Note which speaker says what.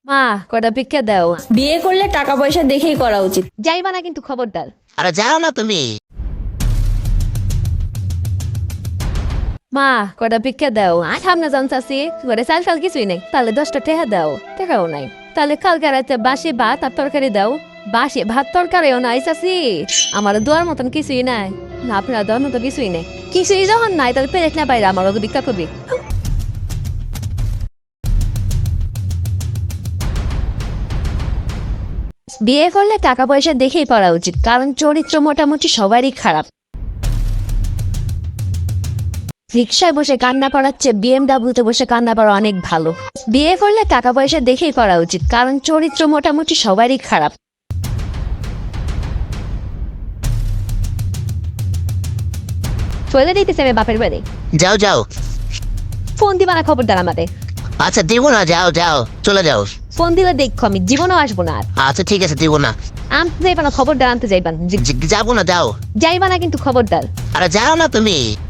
Speaker 1: মা কটা ভিক্ষা দাও।
Speaker 2: বিয়ে করলে টাকা পয়সা দেখেই করা উচিত।
Speaker 1: যাইবা না কিন্তু খবরদার।
Speaker 3: আরে যাও না তুমি।
Speaker 1: মা কটা ভিক্ষা দাও। সামনে জানতাছি ঘরে চাল টাল কিছুই নেই, তাহলে 10টা টাকা দাও। টাকাও নাই, তাহলে কালকে রাতে বাসি ভাত আর তরকারি দাও। বাসি ভাত তরকারিও নাই চাচি, আমার দোয়ার মতন কিছুই নাই। না আপনার দেওয়ার মতো কিছুই নেই। কিছুই যখন নাই তাহলে পেরেক না বাইরে আমার ভিক্ষা করবি। বিয়ে করলে টাকা পয়সা দেখেই পড়া উচিত, কারণ চরিত্র মোটামুটি সবারই খারাপ। রিক্সায় বসে কান্না করার চেয়ে বিএমডাব্লিউতে বসে কান্না করা অনেক ভালো। বিয়ে করলে টাকা পয়সা দেখেই করা উচিত, কারণ চরিত্র মোটামুটি সবারই খারাপ। চলে দিতেছে আমি বাপের বাড়ি।
Speaker 3: যাও যাও।
Speaker 1: ফোন দিবা না খবরদার আমাদের।
Speaker 3: আচ্ছা দিব না, যাও যাও, চলে যাও।
Speaker 1: ফোন দিলে দেখো আমি জীবনেও আসবো না আর।
Speaker 3: আচ্ছা ঠিক আছে, দিব না।
Speaker 1: আনতে যাইবা না, খবরদার আনতে যাইবা না।
Speaker 3: যাবো না, যাও।
Speaker 1: যাইবা না কিন্তু খবরদার।
Speaker 3: আরে যাও না তুমি।